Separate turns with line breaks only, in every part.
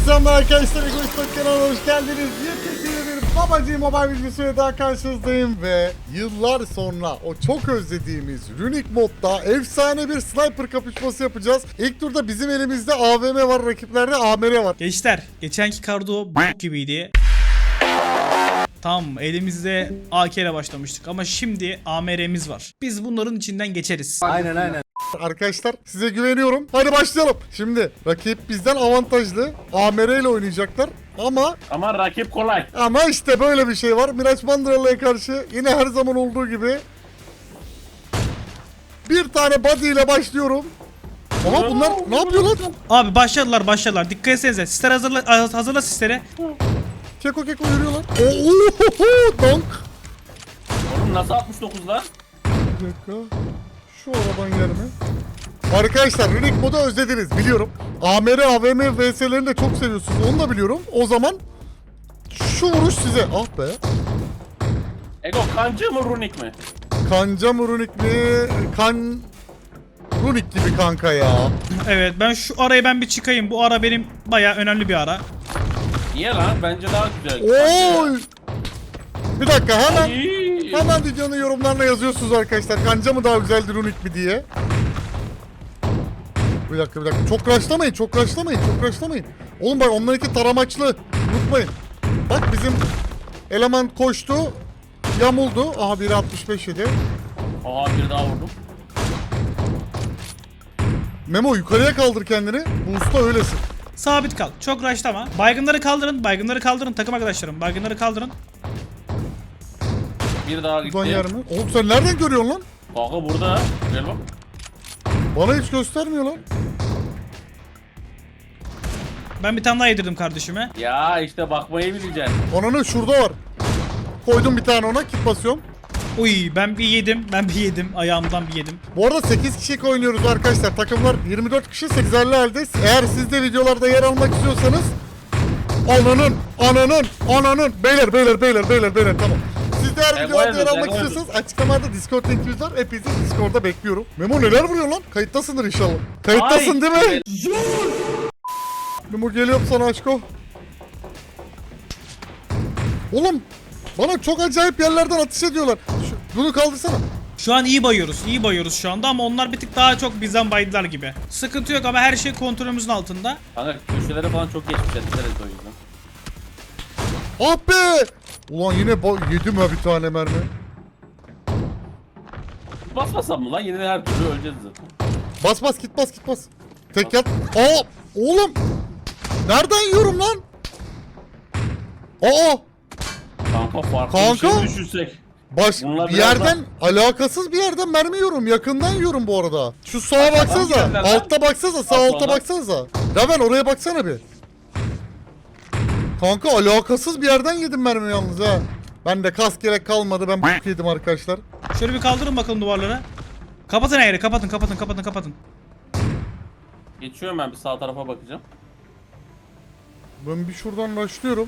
selamlar arkadaşlar. Egoist kanalına hoş geldiniz. Yepyeni bir PUBG Mobile videosuyla daha karşınızdayım ve yıllar sonra o çok özlediğimiz Runic modda efsane bir sniper kapışması yapacağız. İlk turda bizim elimizde AVM var, rakiplerde AMR var.
Gençler, geçenki kardo b**k gibiydi. Tamam, elimizde AK ile başlamıştık ama şimdi AMR'miz var. Biz bunların içinden geçeriz.
Aynen.
Arkadaşlar size güveniyorum. Hadi başlayalım. Şimdi rakip bizden avantajlı. AMR ile oynayacaklar.
Ama rakip kolay.
Ama işte böyle bir şey var. Miraç Mandıralı'ya karşı yine her zaman olduğu gibi bir tane body ile başlıyorum. Ama bunlar ne yapıyorlar?
Abi başladılar. Dikkat etsenize. Sisler hazırla sisleri.
Keko yürüyorlar. Oo, donk.
Oğlum nasıl 69 lan?
Bir dakika. Şu aradan gelme. Arkadaşlar Runic modu özlediniz biliyorum. AMR, AVM vs'lerini de çok seviyorsunuz. Onu da biliyorum. O zaman şu vuruş size. Ah be.
Ego kancı mı runik mi?
Kanca mı Runic mi? Runic gibi kanka ya.
Evet, ben şu araya bir çıkayım. Bu ara benim bayağı önemli bir ara.
Niye lan? Bence daha güzel.
Oy. Bir dakika hemen.
Ay.
Hemen videonun yorumlarına yazıyorsunuz arkadaşlar. Kanca mı daha güzeldi Runic mi diye. Bir dakika. Çok rushlamayın. Oğlum bak onlarınki taramaçlı. Unutmayın. Bak bizim eleman koştu. Yamuldu. Aha biri 65 yedi.
Aha bir daha vurdum.
Memo yukarıya kaldır kendini. Bu usta öylesin.
Sabit kal. Çok rushlama. Baygınları kaldırın. Takım arkadaşlarım. Baygınları kaldırın.
Bir daha gitti.
Buradan yer mi? Oğlum sen nereden görüyorsun lan?
Kanka burada. Gel bak.
Bana hiç göstermiyor lan.
Ben bir tane daha yedirdim kardeşime.
Ya işte bakmayı bileceksin.
Ananı şurada var. Koydum bir tane ona. Kit basıyorum.
Uy, ben bir yedim. Ayağımdan bir yedim.
Bu arada 8 kişilik oynuyoruz arkadaşlar. Takımlar 24 kişi 8'erli halde. Eğer siz de videolarda yer almak istiyorsanız ananın beyler tamam. Siz de eğer videolarda yer almak istiyorsanız açıklamada Discord linkimiz var. Hepinizi Discord'da bekliyorum. Memo neler vuruyor lan? Kayıttasındır inşallah. Kayıttasın değil mi? Memo geliyorum sana aşko. Oğlum bana çok acayip yerlerden atış ediyorlar. Bunu kaldırsana.
Şu an iyi bayıyoruz şu anda ama onlar bir tık daha çok bizden baydılar gibi. Sıkıntı yok ama her şey kontrolümüzün altında.
Kanka köşelere falan çok geçmişler. Dikkat et o yüzden.
Ah be! Ulan yine yedim ha bir tane mermi.
Basmasam mı lan? Yine de her türlü öleceğiz zaten.
Bas git bas. Tek yat. Aa! Oğlum! Nereden yiyorum lan? Aa!
Kanka farklı
Kanka.
bir şey düşünsek.
Bir
Bunlar biraz
yerden alakasız bir yerden mermi yiyorum. Yakından yiyorum bu arada. Şu sağa baksanıza.
yerden lan?
Altta baksanıza. Sağ
Alt
alta
olan.
baksanıza. Raven oraya baksana bir. Kanka alakasız bir yerden yedim mermi yalnız ha. Ben de kas gerek kalmadı. Ben b**k yedim arkadaşlar.
Şöyle bir kaldırın bakalım duvarları. Kapatın her yeri. Kapatın.
Geçiyorum ben bir sağ tarafa bakacağım.
Ben bir şuradan başlıyorum.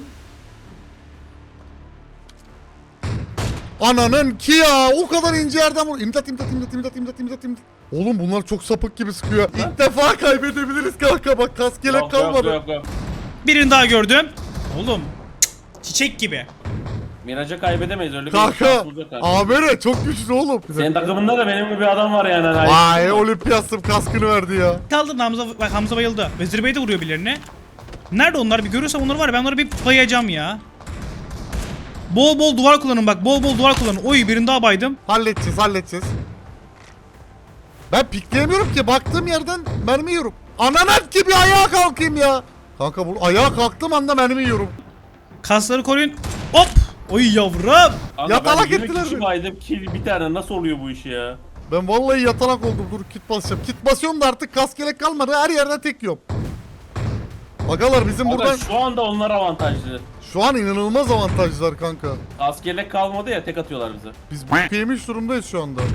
Ananın ki ya o kadar ince yerden vur. İmdat. Oğlum bunlar çok sapık gibi sıkıyor. İlk defa kaybedebiliriz kanka bak kas gerek kalmadı.
Yok.
Birini daha gördüm. Oğlum çiçek gibi.
Miraç'ı kaybedemeyiz öyle bir
Kanka
şans olacak kanka.
AMR çok güçlü oğlum.
Senin takımında da benim gibi bir adam var yani.
Vay olimpiyatım kaskını verdi ya.
Kaldırın Hamza bayıldı. Vezir Bey de vuruyor birilerini. Nerede onlar? Bir görürsem onları var. Ben onları bir bayacağım ya. Bol duvar kullanın bak. Bol duvar kullanın. Oy birini daha baydım.
Halledeceğiz. Ben pikleyemiyorum ki baktığım yerden mermi yiyorum. Ananak gibi ayağa kalkayım ya. Kanka bu ayağa kalktığım anda mermi yiyorum.
Kasları koruyun. Hop. Oy yavrum.
Kanka
Yatalak
ben 20
ettiler
kişi
beni.
baydım kill bir tane nasıl oluyor bu iş ya?
Ben vallahi yatalak oldum. Dur kit basacağım. Kit basıyorum da artık kas gerek kalmadı. Her yerden tek yiyorum. Agalar bizim
Kanka
buradan
şu anda onlar avantajlı.
şu an inanılmaz avantajlar kanka.
Askerlik kalmadı ya tek atıyorlar bize.
Biz yemiş durumdayız şu anda.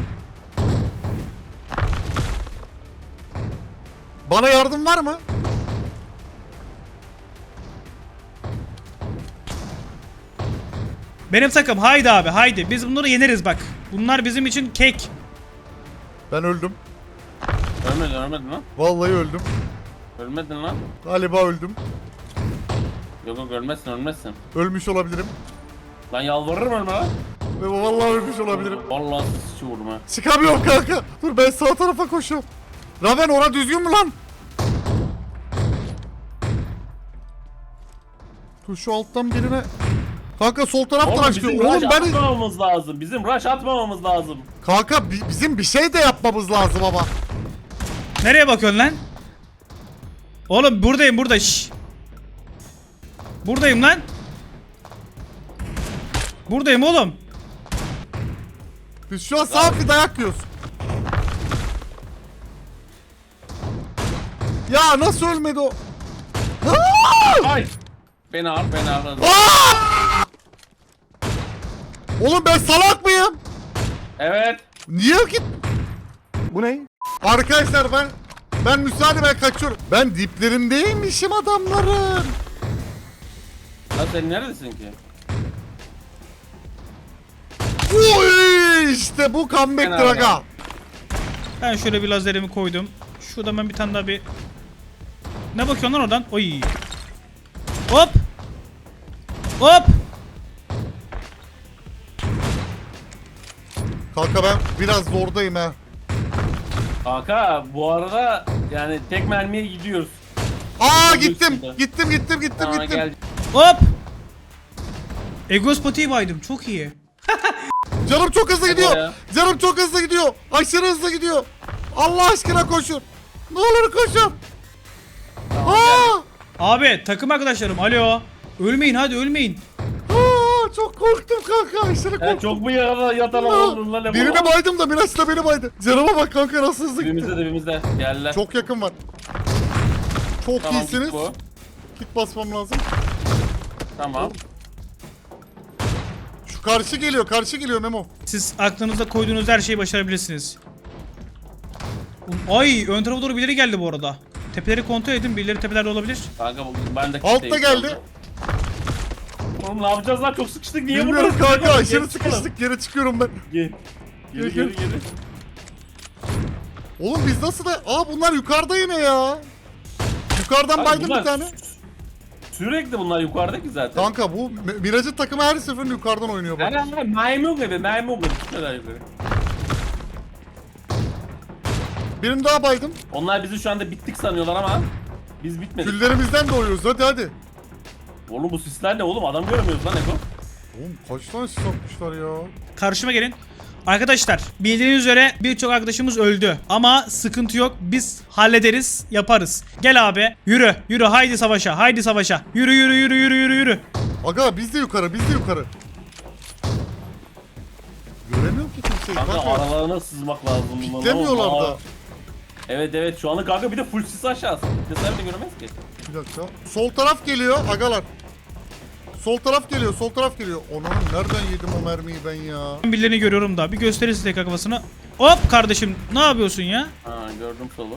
Bana yardım var mı?
Benim takım haydi abi haydi. Biz bunları yeneriz bak. Bunlar bizim için kek.
Ben öldüm.
Ölmedin lan.
Vallahi öldüm.
Ölmedin lan.
Galiba öldüm.
Yok yok ölmezsin ölmezsin.
Ölmüş olabilirim.
Lan yalvarırım ölme lan.
Ve vallahi ölmüş olabilirim.
Vallahi sıçı vurma.
Çıkamıyorum kanka. Dur ben sağ tarafa koşuyorum. Raven ora düzgün mü lan? Dur şu alttan birine. Kanka sol taraftan
Oğlum
açtım.
bizim
Oğlum
rush
ben...
atmamamız lazım. Bizim rush atmamamız lazım.
Kanka bizim bir şey de yapmamız lazım ama.
Nereye bakıyorsun lan? Oğlum buradayım burada. Şşş. Buradayım lan. Buradayım oğlum.
Biz şu an sağ bir dayak yiyoruz. Ya nasıl ölmedi o? Aa!
Ay. Beni al beni al.
Aa! Oğlum ben salak mıyım?
Evet.
Niye git? Bu ne? Arkadaşlar ben müsaade ben kaçıyorum. Ben diplerindeymişim adamların.
Lan sen neredesin ki?
Uy, işte bu comeback'tir
Fena
aga.
Ben şöyle bir lazerimi koydum. Şurada ben bir tane daha bir... Ne bakıyorsun lan oradan? Oy. Hop. Hop.
Kanka ben biraz zordayım ha.
Kanka bu arada yani tek mermiye gidiyoruz.
Aa
Çok
gittim.
üstünde.
Gittim.
Tamam gel.
Hop. Egos patiği baydım. Çok iyi.
Canım çok hızlı gidiyor.
ya.
Canım çok hızlı gidiyor. Aşırı hızlı gidiyor. Allah aşkına koşun. Ne olur koşun.
Tamam,
Aa!
Abi takım arkadaşlarım alo. Ölmeyin hadi ölmeyin.
Aa, çok korktum kanka. Aşırı
gel.
korktum.
Çok mu yatalama oldun lan?
Birini baydım da Miraç da beni baydı. Canıma bak kanka nasıl hızlı gitti.
Dibimizde. Gel lan.
Çok yakın var. Çok
Tamam,
iyisiniz.
git bu.
Kit basmam lazım.
Tamam.
Şu karşı geliyor Memo.
Siz aklınızda koyduğunuz her şeyi başarabilirsiniz. Ay ön tarafa doğru birileri geldi bu arada. Tepeleri kontrol edin. Birileri tepelerde olabilir.
Kanka ben de
Altta
kitleyim
geldi.
şu anda. Oğlum ne yapacağız lan çok sıkıştık niye
Bilmiyorum
vuruyorsun?
kanka aşırı
Geri çıkalım.
sıkıştık. Geri çıkıyorum ben.
Gel. Geri
Gel,
geri geri.
Oğlum biz nasıl da... Aa bunlar yukarıda yine ya. Yukarıdan
Abi
baydım
bunlar
bir tane.
Sürekli bunlar yukarıdaki zaten.
Kanka bu Miraç'ın takımı her seferinde yukarıdan oynuyor bak.
Aynen maymun gibi gitmeden yukarı.
Birini daha baydım.
Onlar bizi şu anda bittik sanıyorlar ama biz bitmedik.
Küllerimizden doğuyoruz hadi.
Oğlum bu sisler ne oğlum adam görmüyoruz lan Eko.
Oğlum kaç tane sis atmışlar ya.
Karşıma gelin. Arkadaşlar bildiğiniz üzere birçok arkadaşımız öldü. Ama sıkıntı yok. Biz hallederiz, yaparız. Gel abi. Yürü, yürü. Haydi savaşa. Haydi savaşa. Yürü, yürü, yürü, yürü, yürü, yürü.
Aga biz de yukarı. Göremiyorum ki kimseyi
Kanka
kanka.
aralarına sızmak lazım. bunların.
Demiyorlar
Aa,
da.
Evet şu anda kanka bir de full sis aşağısı. Sesler de göremez ki.
Bir dakika. Sol taraf geliyor agalar. Sol taraf geliyor. Onun nereden yedim o mermiyi ben ya?
Ben birilerini görüyorum da. Bir gösterirsin tekrar kafasını. Hop kardeşim. Ne yapıyorsun ya?
Ha gördüm solu.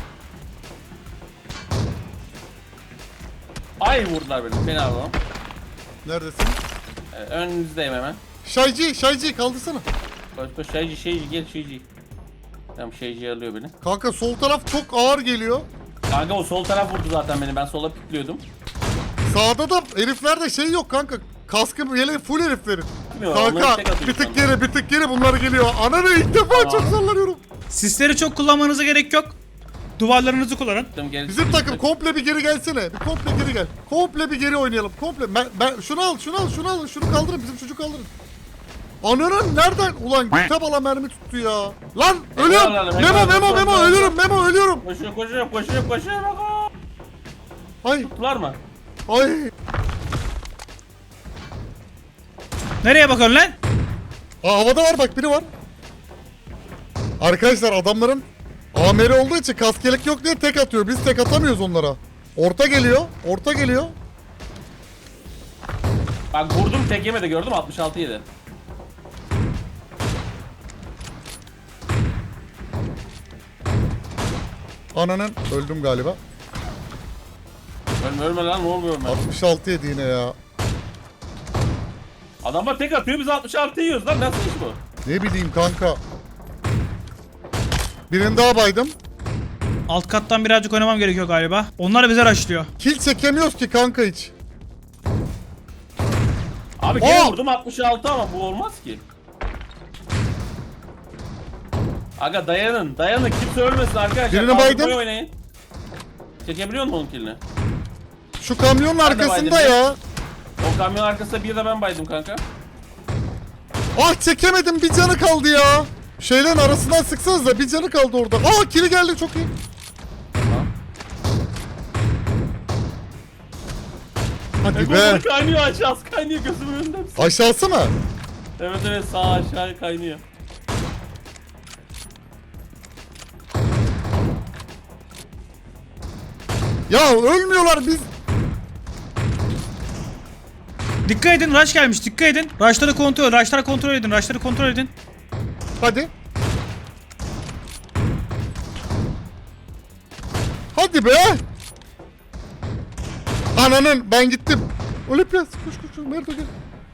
Ay vurdular beni. Beni alalım.
Neredesin?
Önünüzdeyim hemen.
Şaycı kaldırsana.
Koş şeyci gel şeyci. Tamam şeyci alıyor beni.
Kanka sol taraf çok ağır geliyor.
Kanka o sol taraf vurdu zaten beni. Ben sola pikliyordum.
Sağda da heriflerde şey yok kanka. Kaskı yeleği full heriflerin.
Bilmiyorum, onları
Kanka
tek atıyor
bir tık geri bunlar geliyor. Ananı ilk defa
Tamam.
çok zorlanıyorum.
Sisleri çok kullanmanıza gerek yok. Duvarlarınızı kullanın.
Bizim takım komple bir geri gelsene. Bir komple geri gel. Komple bir geri oynayalım. Komple. Ben şunu al. Şunu kaldırın. Bizim çocuğu kaldırın. Ananın nereden? Ulan kitap ala mermi tuttu ya. Lan ölüyorum. Memo ölüyorum.
Koşuyor.
Ay
Tuttular mı?
ay.
Nereye bakıyorsun lan?
Aa, havada var bak biri var. Arkadaşlar adamların AMR olduğu için kaskelek yok diye tek atıyor. Biz tek atamıyoruz onlara. Orta geliyor.
Bak vurdum tek yemedi gördüm 66 yedi.
Ananın öldüm galiba.
Ölme lan ne oluyor ben?
66 yedi yine ya.
Adamlar tek atıyor biz 66 yiyoruz lan nasıl iş bu?
Ne bileyim kanka. Birini daha baydım.
Alt kattan birazcık oynamam gerekiyor galiba. Onlar bize rushlıyor.
Kill çekemiyoruz ki kanka hiç.
Abi gene
Aa!
vurdum 66 ama bu olmaz ki. Aga dayanın. Kimse ölmesin arkadaşlar.
Birini
Kaldırmayı
baydım.
oynayın. Çekebiliyor musun onun killini?
Şu kamyonun arkasında
baydım.
ya.
O kamyon arkasında bir de ben baydım kanka.
Ah çekemedim, bir canı kaldı ya. Şeylerin arasından sıksanız da bir canı kaldı orada. Aa kili geldi, çok iyi.
Tamam.
Hadi be.
Be. Kaynıyor aşağısı kaynıyor gözümün önünde.
Aşağısı mı?
Evet sağ aşağı kaynıyor.
Ya ölmüyorlar biz.
Dikkat edin, rush gelmiş. Dikkat edin. Rush'ları kontrol edin.
Hadi. Hadi be. Ananın, ben gittim. Olimpias koş Merdo gel.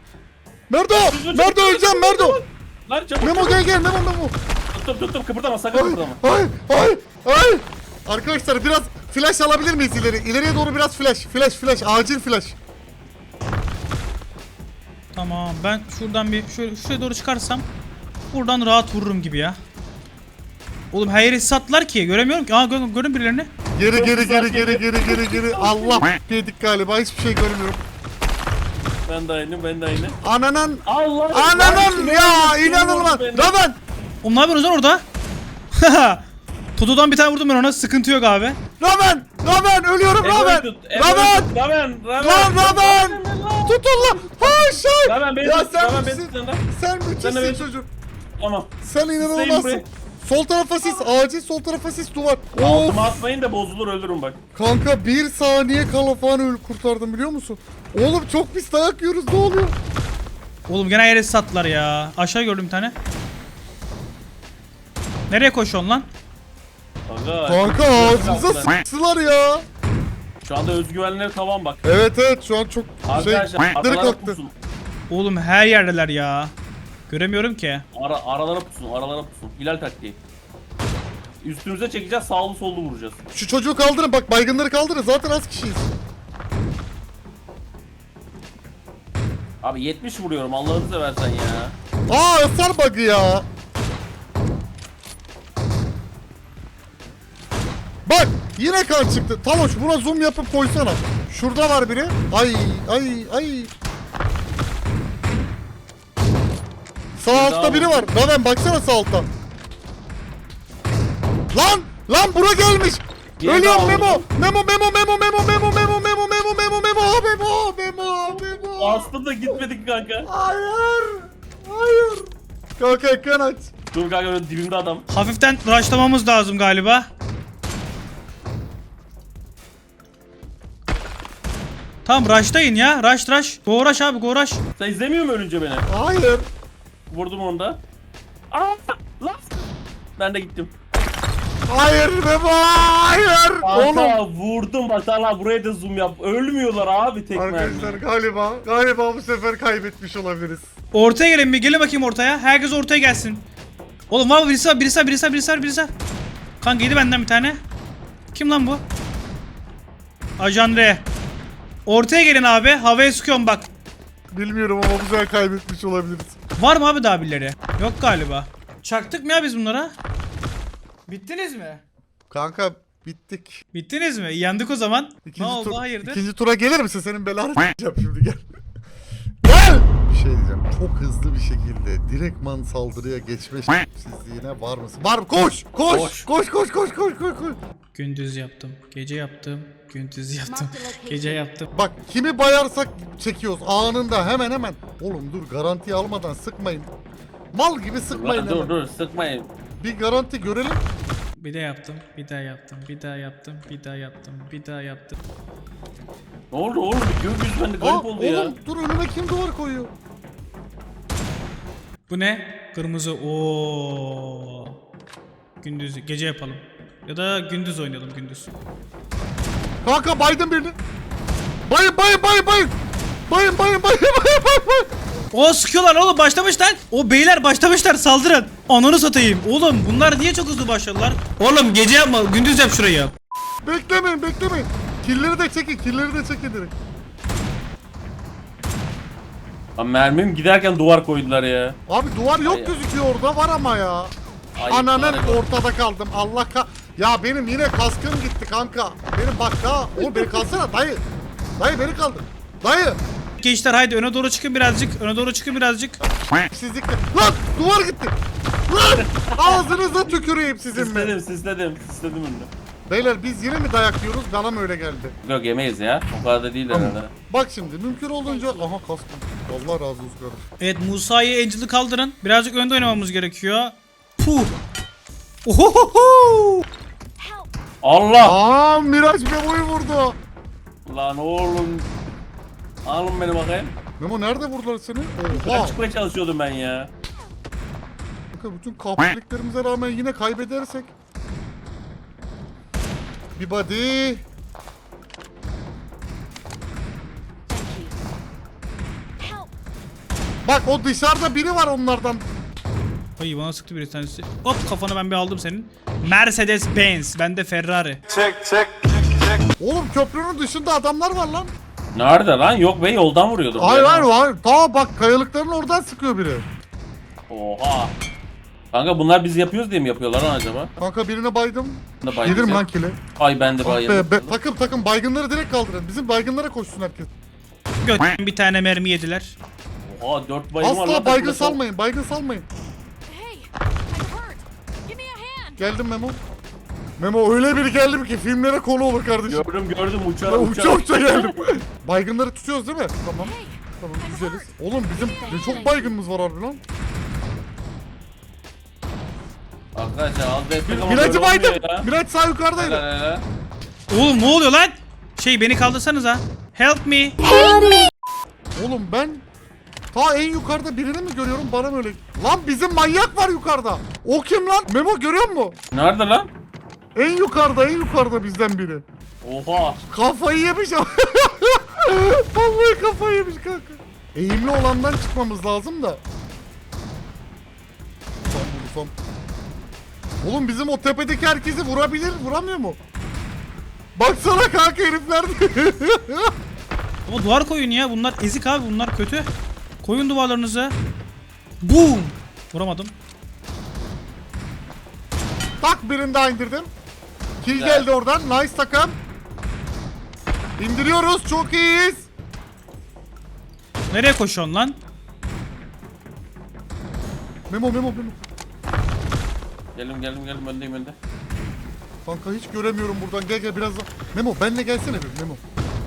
Merdo öleceğim Merdo.
Lan çabuk.
Memo gel Memo.
Tuttum kıpırdama sakın kıpırdama.
Hayır. Arkadaşlar biraz flash alabilir miyiz ileri? İleriye doğru biraz flash. Acil flash.
Tamam, ben şuradan bir şuraya doğru çıkarsam buradan rahat vururum gibi ya. Oğlum her yeri sattılar ki göremiyorum ki. Aa görün birilerini.
Geri. Allah yedik galiba, hiçbir şey görmüyorum.
Ben de aynı.
Ananın
Allah.
ya inanılmaz. Raven.
Oğlum ne yapıyorsunuz lan orada? Toto'dan bir tane vurdum ben ona, sıkıntı yok abi.
Raven ölüyorum Raven. Raven. Tutun lan. Hayır.
Raven beni
Ya
tut,
sen
Raven beni
müthişsin.
tut lan.
Sen
Sen de
müthişsin
beni-
çocuk.
Tamam.
Sen inanılmazsın.
buraya.
Sol tarafa sis, acil sol tarafa sis, duvar. Of.
Altıma atmayın da bozulur ölürüm bak.
Kanka 1 saniye kala falan kurtardım biliyor musun? Oğlum çok pis dayak yiyoruz, ne oluyor?
Oğlum gene her yeri sattılar ya. Aşağı gördüm bir tane. Nereye koşuyorsun lan?
Kanka ağzımıza sıktılar ya.
Şu anda özgüvenleri tavan bak.
Evet şu an çok
Arkadaşlar
direkt
aralara
kalktı.
pusun.
Oğlum her yerdeler ya. Göremiyorum ki.
Aralara pusun. Hilal taktiği. Üstümüze çekeceğiz sağlı sollu vuracağız.
Şu çocuğu kaldırın bak, baygınları kaldırın, zaten az kişiyiz.
Abi 70 vuruyorum Allah'ını seversen ya.
Aa hasar bug'ı ya. Bak yine kan çıktı. Taloş buna zoom yapıp koysana. Şurada var biri. Ay. Sağ altta biri var. Raven baksana sağ altta. Lan bura gelmiş.
Yine
Ölüyorum
daha
Memo.
vurdum.
Memo.
Aslında gitmedik kanka.
Hayır. Kanka ekran aç.
Dur kanka böyle dibimde adam.
Hafiften rushlamamız lazım galiba. Tamam rushlayın ya. Rush. Go rush abi go rush.
Sen izlemiyor musun ölünce beni?
Hayır.
Vurdum onu da. Aa, lan. Ben de gittim.
Hayır Memo. Hayır. Oğlum.
Kanka vurdum bak Allah buraya da zoom yap. Ölmüyorlar abi tek
Arkadaşlar
mermi.
galiba bu sefer kaybetmiş olabiliriz.
Ortaya gelin bir. Gelin bakayım ortaya. Herkes ortaya gelsin. Oğlum var mı birisi var. Kanka yedi benden bir tane. Kim lan bu? Ajan R. Ortaya gelin abi. Havaya sıkıyorum bak.
Bilmiyorum ama bu sefer kaybetmiş olabiliriz.
Var mı abi daha birileri? Yok galiba. Çaktık mı ya biz bunlara? Bittiniz mi?
Kanka bittik.
Bittiniz mi? Yandık o zaman. Ne oldu hayırdır?
İkinci tura gelir misin? Senin belanı s**eceğim şimdi gel. Gel! Bir şey diyeceğim. Çok hızlı bir şekilde direktman saldırıya geçme sizliğine var mısın? Var mı? Koş! Koş!
Gündüz yaptım. Gece yaptım. Gündüz yaptım. Gece yaptım.
Bak kimi bayarsak çekiyoruz anında hemen. Oğlum dur, garantiyi almadan sıkmayın. Mal gibi sıkmayın hemen.
Dur sıkmayın.
Bir garanti görelim.
Bir de yaptım. Bir daha yaptım.
Ne oldu oğlum? Gökyüzü bende garip oldu ya.
Oğlum dur, önüme kim duvar koyuyor?
Bu ne? Kırmızı. Oo. Gündüz, gece yapalım. Ya da gündüz oynayalım gündüz.
Kanka baydım birini. Bayın.
O sıkıyorlar oğlum, başlamışlar. O beyler başlamışlar, saldırın. Ananı satayım. Oğlum bunlar niye çok hızlı başladılar? Oğlum gece yapma, gündüz yap şurayı.
Beklemeyin. Killeri de çekin direkt.
Lan mermim giderken duvar koydular ya.
Abi duvar yok
Ay.
gözüküyor orada, var ama ya.
Ay,
Ananın
bari-
ortada kaldım. Allah ya benim yine kaskım gitti kanka. Benim bak daha. Oğlum beni kalsana dayı. Dayı beni kaldır. Dayı.
Gençler haydi öne doğru çıkın birazcık. Öne doğru çıkın birazcık.
Sizlikle. Lan duvar gitti. Lan ağzınıza tüküreyim sizin mi?
Sisledim önünü.
Beyler biz yine mi dayak yiyoruz? Bana mı öyle geldi?
Yok yemeyiz ya. O kadar da değil herhalde.
Bak şimdi mümkün olduğunca aha kaskım. Allah razı olsun kardeşim.
Evet Musa'yı Angel'ı kaldırın. Birazcık önde oynamamız gerekiyor. Puh. Ohohoho.
Allah!
Aa Miraç Memo'yu vurdu.
Lan oğlum. Alın beni bakayım.
Memo nerede vurdular seni?
Ben
Oha.
çıkmaya çalışıyordum ben ya.
Kanka bütün kapliklerimize rağmen yine kaybedersek. Bir body. Bak o dışarıda biri var onlardan.
Ay bana sıktı bir tanesi. Hop kafanı ben bir aldım senin. Mercedes Benz. Bende Ferrari.
Oğlum köprünün dışında adamlar var lan.
Nerede lan? Yok be yoldan vuruyordum.
Hayır hayır hayır. Ta bak kayalıkların oradan sıkıyor biri.
Oha. Kanka bunlar biz yapıyoruz diye mi yapıyorlar lan acaba?
Kanka birine baydım.
Ne bayılacak?
Gelirim lan kile.
Ay ben de bayıldım.
Takım baygınları direkt kaldırın. Bizim baygınlara koşsun herkes.
Göt bir tane mermi yediler.
Oha 4 bayım var
Asla
lan.
baygın
takımda.
salmayın. Baygın salmayın.
Hey, I'm hurt. Give me a hand.
Geldim Memo. Memo öyle biri geldim ki filmlere konu olur kardeşim.
Gördüm uçarak
Ben uça geldim. Baygınları tutuyoruz değil mi? Tamam.
Hey,
Tamam güzeliz. Oğlum bizim ne çok baygınımız var harbi lan.
Arkadaşlar az destek ama
Miraç'ı
böyle
baydım.
olmuyor ya.
Miraç sağ yukarıdaydı.
Helal, helal.
Oğlum ne oluyor lan? Şey beni kaldırsanıza. Help me.
Oğlum ben ta en yukarıda birini mi görüyorum bana mı öyle? Lan bizim manyak var yukarıda. O kim lan? Memo görüyor musun?
Nerede lan?
En yukarıda bizden biri.
Oha.
Kafayı yemiş ama. Vallahi kafayı yemiş kanka. Eğimli olandan çıkmamız lazım da. Vursam. Oğlum bizim o tepedeki herkesi vuramıyor mu? Baksana kanka herifler.
Ama duvar koyun ya. Bunlar ezik abi. Bunlar kötü. Koyun duvarlarınızı. Boom. Vuramadım.
Tak birini daha indirdim. Kill
Güzel.
geldi oradan. Nice takım. İndiriyoruz. Çok iyiyiz.
Nereye koşuyorsun lan?
Memo.
Geldim öndeyim önde.
Kanka hiç göremiyorum buradan. Gel biraz daha. Memo benle gelsene bir Memo.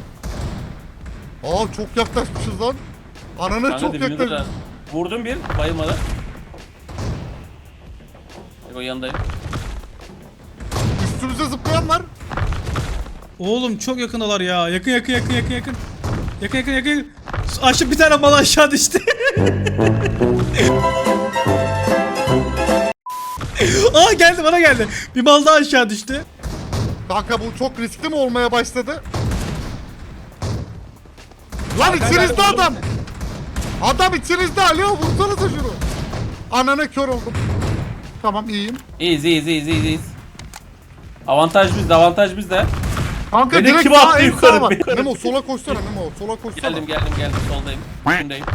Aa çok yaklaşmışız lan. Ananı
Kanka
çok
dibimizde
yaklaşmışız.
de. Vurdum bir bayılmadı. O yanındayım.
Üstümüze zıplayan var.
Oğlum çok yakındalar ya. Yakın. Yakın. Aşıp bir tane mal aşağı düştü. Aa geldi bana geldi. Bir mal daha aşağı düştü.
Kanka bu çok riskli mi olmaya başladı? Lan
Kanka,
içinizde
vurdum
adam. Adam içinizde. Alo vursanıza şunu. Ananı kör oldum. Tamam iyiyim.
İyiyiz. Avantaj bizde.
Kanka
Beni
direkt
kim
sağ
attı
en
yukarı?
sağ var.
Yukarı.
Memo sola koşsana Memo. Sola koşsana.
Geldim soldayım. Üstündeyim.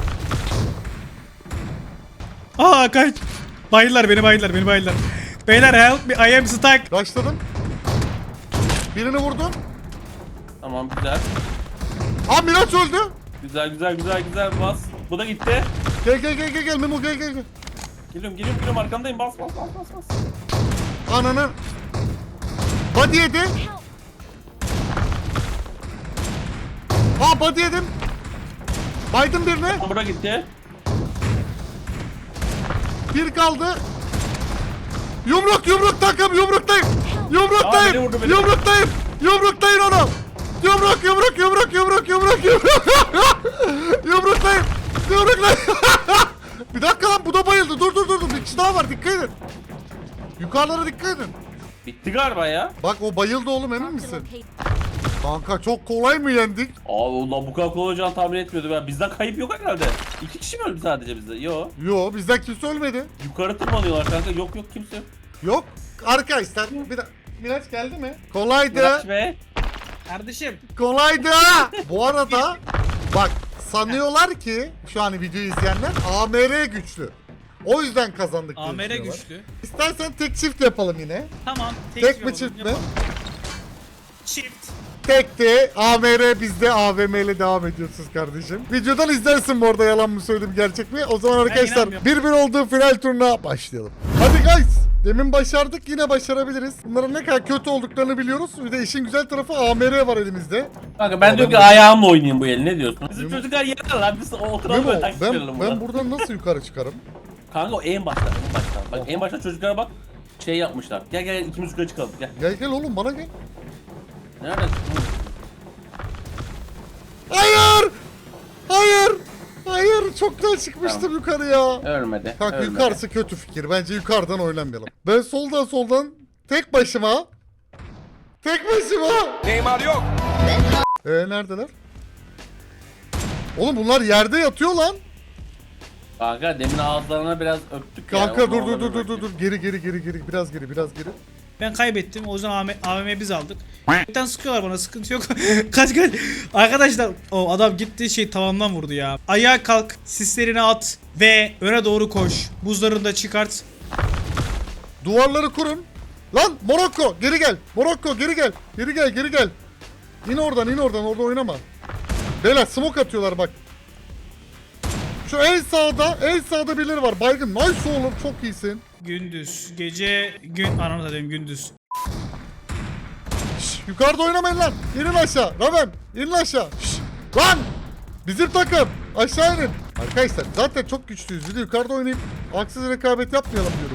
Aa kaç. Bayıldılar beni bayıldılar. Beyler help me I am stuck.
Başladım. Birini vurdum.
Tamam güzel.
Aa Miraç öldü.
Güzel bas. Bu da gitti.
Gel Memo gel.
Geliyorum arkandayım bas.
Ananı. Body yedi. Aa body yedim. Baydım birine.
Bu da gitti.
Bir kaldı. Yumruk takım yumruktayım.
Aa, beni vurdu, beni.
Yumruktayım onu. Yumruktayım. Yumruktayım. Bir dakika lan bu da bayıldı. Dur. Bir kişi daha var dikkat edin. Yukarılara dikkat edin.
Bitti galiba ya.
Bak o bayıldı oğlum emin misin?
Locate.
Kanka çok kolay mı yendik?
Abi ulan bu kadar kolay olacağını tahmin etmiyordum ya. Bizden kayıp yok herhalde. 2 kişi mi öldü sadece bizde? Yo.
Yo bizden kimse ölmedi.
Yukarı tırmanıyorlar kanka. Yok kimse yok.
Yok. Arkadaşlar Miraç geldi mi? Kolaydı.
Miraç be.
Kardeşim.
Kolaydı. Bu arada bak sanıyorlar ki şu an videoyu izleyenler AMR güçlü. O yüzden kazandık diye
AMR
düşünüyorlar.
güçlü.
İstersen tek çift yapalım yine.
Tamam.
Tek mi
yapalım,
çift mi?
yapalım. Çift.
Tekti. AMR bizde, AVM ile devam ediyorsunuz kardeşim. Videodan izlersin bu arada, yalan mı söyledim gerçek mi? O zaman arkadaşlar
inanmıyorum.
1-1 olduğu final turuna başlayalım. Hadi guys. Demin başardık, yine başarabiliriz. Bunların ne kadar kötü olduklarını biliyoruz. Bir de işin güzel tarafı AMR var elimizde.
Kanka ben diyorum ki ayağımla oynayayım bu eli, ne diyorsun? Bizim çocuklar yerler lan, biz oturalım
Memo,
böyle taktik verelim
ben buradan nasıl yukarı çıkarım?
Kanka o en başta, en başta. Bak en başta çocuklara bak, şey yapmışlar. Gel gel ikimiz yukarı çıkalım, gel.
Gel gel oğlum, bana gel.
Nerede?
Hayır! Hayır! Hayır! Çoktan çıkmıştım yukarıya.
Ölmedi.
Kanka
ölmedi.
yukarısı kötü fikir. Bence yukarıdan oynamayalım. Ben soldan tek başıma. Tek başıma.
Neymar yok.
Neredeler? Oğlum bunlar yerde yatıyor lan.
Kanka demin ağızlarına biraz öptük
Kanka
ya.
dur. Geri. Biraz geri.
Ben kaybettim. O yüzden AVM biz aldık. Bir sıkıyorlar bana, sıkıntı yok. kaç. Arkadaşlar o adam gitti tavandan vurdu ya. Ayağa kalk, sislerini at ve öne doğru koş. Buzlarını da çıkart.
Duvarları kurun. Lan Morokko geri gel. Morokko geri gel. Geri gel. İn oradan orada oynama. Beyler smoke atıyorlar bak. Şu en sağda birileri var. Baygın. Nice oğlum, çok iyisin.
Gündüz, gece, gün ananı satayım gündüz.
Şş, yukarıda oynamayın lan. İnin aşağı. Raven inin aşağı. Şş, lan. Bizim takım. Aşağı inin. Arkadaşlar zaten çok güçlüyüz. Bir de yukarıda oynayıp haksız rekabet yapmayalım diyorum.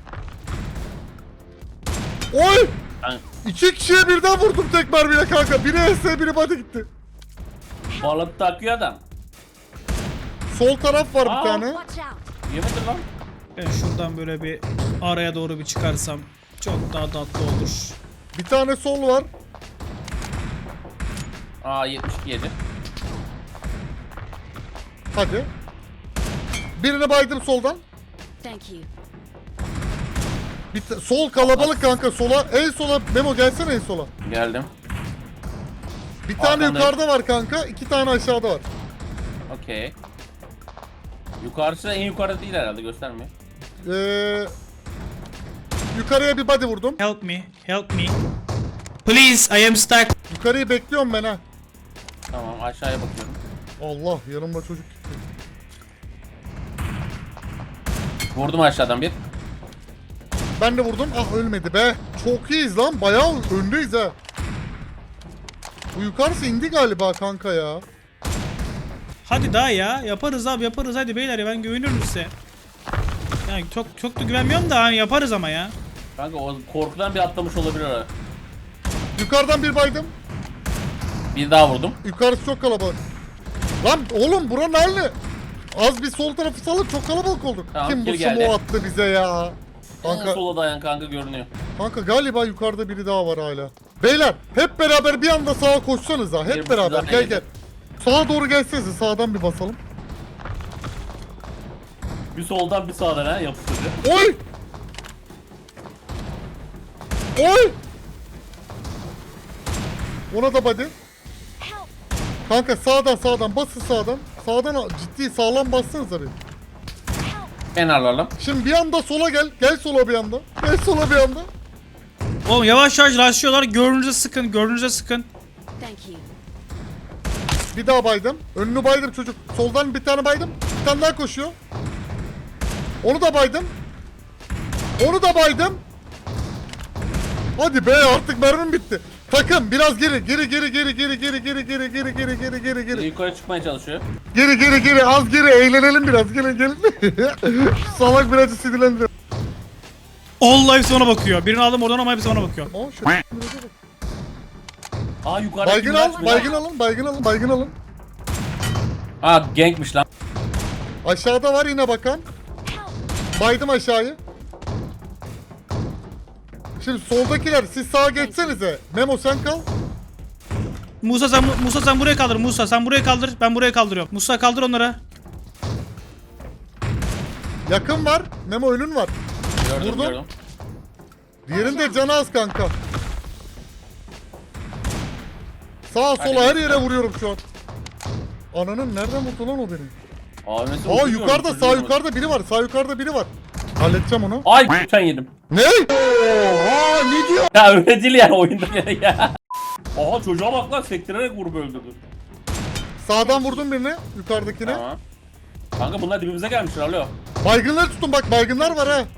Oy.
Ben,
2 kişiye birden vurdum tek mermiyle kanka. Biri HS, biri body gitti.
balık takıyor adam.
Sol taraf var bir
Aa.
tane.
Watch out.
Yemedin lan.
Ben şuradan böyle bir araya doğru bir çıkarsam çok daha tatlı olur.
Bir tane sol var.
Aa 72 yedi.
Hadi. Birini baydım soldan.
Thank you.
Sol kalabalık kanka, sola. En sola Memo gelsene, en sola.
Geldim.
Bir tane
Arkandayım.
yukarıda var kanka, 2 tane aşağıda var.
Okey. Yukarısı da en yukarıda değil herhalde, göstermiyor.
Yukarıya bir body vurdum.
Help me, help me. Please, I am stuck.
Yukarıyı bekliyorum ben ha.
Tamam aşağıya bakıyorum.
Allah, yanımda çocuk gitti.
Vurdum aşağıdan bir.
Ben de vurdum. Ah, ölmedi be. Çok iyiyiz lan. Bayağı öndeyiz ha. Bu yukarısı indi galiba kanka ya.
Hadi daha ya, yaparız abi, yaparız hadi beyler ya, ben güveniyorum size. Yani çok da güvenmiyorum da hani yaparız ama ya.
Kanka o korkudan bir atlamış olabilir oraya.
Yukarıdan bir baydım.
Bir daha vurdum.
Yukarısı çok kalabalık. Lan oğlum buranın hali. Az bir sol tarafı salın, çok kalabalık olduk.
Tamam,
Kim bu
geri geldi.
smoke attı bize ya?
Kanka. Sola dayan kanka, görünüyor.
Kanka galiba yukarıda biri daha var hala. Beyler hep beraber bir anda sağa koşsanız ha. Hep
Bir
beraber
buçuk
gel
daha
gel. Sağa doğru gelsenize, sağdan bir basalım.
Bir soldan bir sağdan ha, yapıştırıcı.
Oy! Oy! Ona da body.
Help.
Kanka sağdan basın sağdan. Sağdan ciddi sağlam bassanıza bir.
Kenarlarla.
Şimdi bir anda sola gel. Gel sola bir anda. Gel sola bir anda.
Oğlum yavaş rastlıyorlar, gördüğünüzde sıkın.
Thank you.
Bir daha baydım. Önünü baydım çocuk. Soldan bir tane baydım. Bir tane daha koşuyor. Onu da baydım. Hadi be, artık mermim bitti. Takım biraz geri.
Yukarı çıkmaya çalışıyor.
Geri az geri, eğlenelim biraz. Gelin. Şu salak birazcık sinirlendi.
Allah hepsi ona bakıyor. Birini aldım oradan ama hepsi ona bakıyor.
Aa, şöyle.
Aa yukarıda
Baygın alın.
Aa gankmiş lan.
Aşağıda var yine bakan. Baydım aşağıyı. Şimdi soldakiler, siz sağa geçsenize. Memo sen kal.
Musa sen buraya kaldır. Musa sen buraya kaldır. Ben buraya kaldırıyorum. Musa kaldır onları.
Yakın var. Memo önün var.
Gördüm.
Diğerinde canı az kanka. Sağa sola her yere vuruyorum şu an. Ananın nereden vurdu lan o beni?
AVM'si
Aa
uçuyor,
yukarıda sağ
uçuyor.
yukarıda biri var. Sağ yukarıda biri var. Halledeceğim onu.
Ay sen yedim.
Ne? Oha ne diyor?
Ya öyle değil yani oyunda ya. Aha çocuğa bak lan sektirerek vurup öldürdü.
Sağdan vurdum birini. Yukarıdakine.
Tamam. Kanka bunlar dibimize gelmişler alo.
Baygınları tutun bak baygınlar var ha.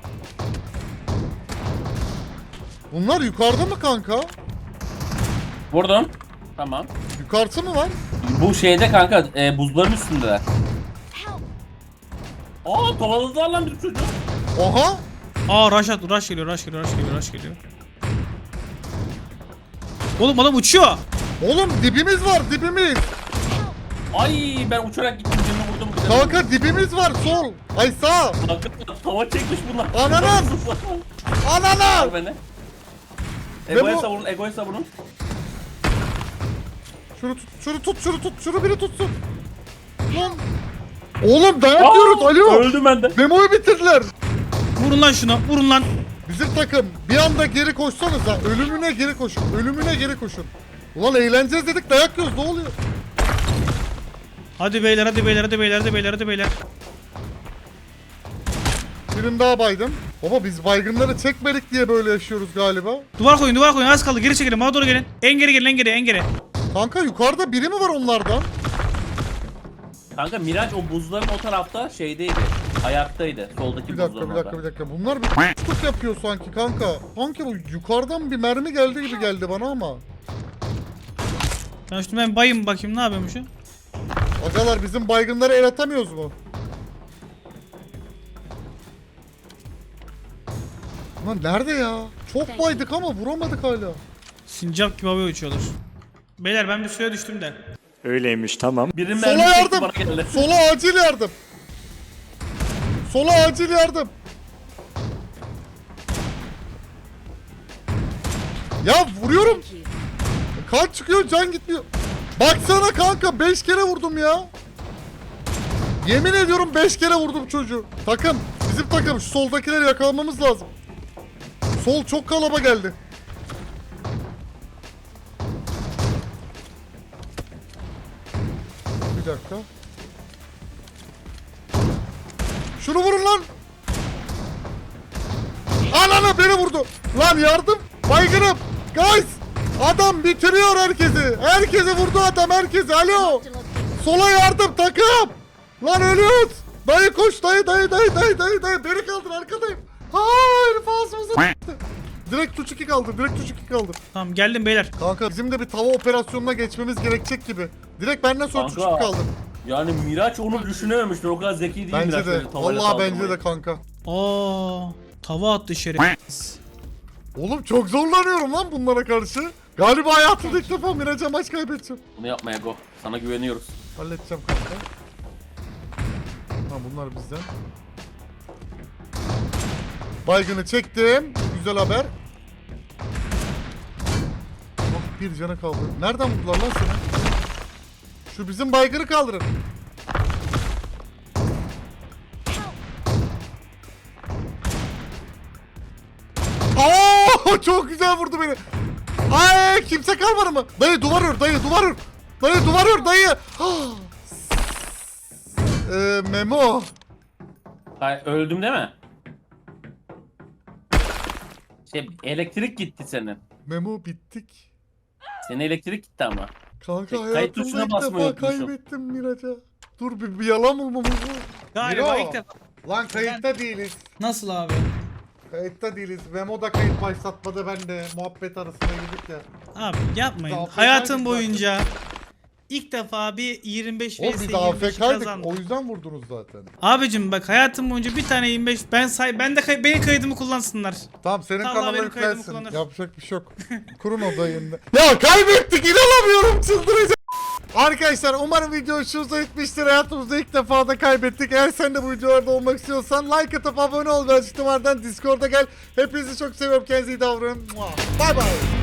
Bunlar yukarıda mı kanka?
Vurdum. Tamam.
Yukarısı mı var?
Bu şeyde kanka buzların üstündeler.
Help!
Aa kovaladılar lan bir çocuğu.
Oha.
Aa rush geliyor, rush geliyor. Oğlum adam uçuyor.
Oğlum dibimiz var dibimiz.
Ay ben uçarak gittim birini vurdum.
Kanka dibimiz var sol. Ay sağ.
Kanka tava çekmiş bunlar.
Ananın! Anana.
Al beni. Egoya
bu-
savurun, egoya savurun.
Şunu tut. Şunu biri tutsun. Lan. Oğlum dayak yiyoruz. Alo.
Öldüm ben de.
Memo'yu bitirdiler.
Vurun lan şuna, vurun lan.
Bizim takım bir anda geri koşsanıza. Ölümüne geri koşun. Ölümüne geri koşun. Ulan eğleneceğiz dedik dayak yiyoruz. Ne oluyor?
Hadi beyler.
Birini daha baydım. Baba biz baygınları çekmedik diye böyle yaşıyoruz galiba.
Duvar koyun, az kaldı. Geri çekilin, bana doğru gelin. En geri.
Kanka yukarıda biri mi var onlardan?
Kanka Miraç o buzların o tarafta şeydeydi. Ayaktaydı. Soldaki
Bir
buzların
dakika.
orada.
Bunlar bir tutuk yapıyor sanki kanka. Kanka bu yukarıdan bir mermi geldi gibi geldi bana ama.
Ben bayım bakayım ne yapıyormuşum.
Agalar bizim baygınlara el atamıyoruz mu? Lan nerede ya? Çok baydık ama vuramadık hala.
Sincap gibi havaya uçuyorlar. Beyler ben bir suya düştüm de.
Öyleymiş tamam.
Birinin
Sola
mermisi
yardım.
bana geldi.
Sola acil yardım. Sola acil yardım. Ya vuruyorum.
Thank you.
Kan çıkıyor can gitmiyor. Baksana kanka 5 kere vurdum ya. Yemin ediyorum 5 kere vurdum çocuğu. Takım bizim takım şu soldakileri yakalamamız lazım. Sol çok kalaba geldi. Bir dakika. Şunu vurun lan. Ananı beni vurdu. Lan yardım. Baygınım. Guys. Adam bitiriyor herkesi. Herkesi vurdu adam herkesi. Alo. Sola yardım takım. Lan ölüyoruz. Dayı koş dayı. Beni kaldır arkadayım. Hayır ağzımıza s**tı. Direkt tuş 2 kaldı.
Tamam geldim beyler.
Kanka bizim de bir tava operasyonuna geçmemiz gerekecek gibi. Direkt benden sonra tuş 2
Kanka.
kaldı.
Yani Miraç onu düşünememiştir. O kadar zeki değil
Bence
Miraç.
de.
böyle tavayla
Vallahi bence
saldırmayı.
de kanka.
Aa, tava attı şerefsiz.
Oğlum çok zorlanıyorum lan bunlara karşı. Galiba hayatımda ilk defa Miraç'a maç kaybedeceğim.
Bunu yapma Ego. Sana güveniyoruz.
Halledeceğim kanka. Tamam bunlar bizden. Baygını çektim. Güzel haber. Oh, bir canı kaldı. Nereden vurdular lan seni? Şu bizim baygını kaldırın. Oo, çok güzel vurdu beni. Ay kimse kalmadı mı? Dayı duvar ör, dayı duvar ör. Dayı duvar ör, dayı. Memo.
Hayır, öldüm değil mi? Elektrik gitti senin.
Memo bittik.
Senin elektrik gitti ama.
Kanka
Kayıt
hayatımda
tuşuna
ilk
basmayı
defa
unutmuşum.
kaybettim Miraç'a. Dur bir yalan bulmamız lazım.
Galiba
Miro.
ilk defa.
Lan kayıtta değiliz.
Nasıl abi?
Kayıtta değiliz. Memo da kayıt başlatmadı ben de. Muhabbet arasına girdik ya.
Abi yapmayın.
Biz
Hayatım
AFK'ydik
boyunca ilk defa bir 25
Oğlum
vs
biz
25
AFK'ydık.
kazandım.
O yüzden vurdunuz zaten.
Abicim bak hayatım boyunca bir tane 25 benim kaydımı kullansınlar.
Tamam senin
Allah
kanala
benim kaydımı
yüklensin.
kullanır.
Yapacak bir şey yok. Kurun odayında. Ya kaybettik inanamıyorum çıldıracağım. Arkadaşlar umarım video hoşunuza gitmiştir. Hayatımızda ilk defa da kaybettik. Eğer sen de bu videolarda olmak istiyorsan like atıp abone ol ve açıklamalardan Discord'a gel. Hepinizi çok seviyorum. Kendinize iyi davranın. Bye bye.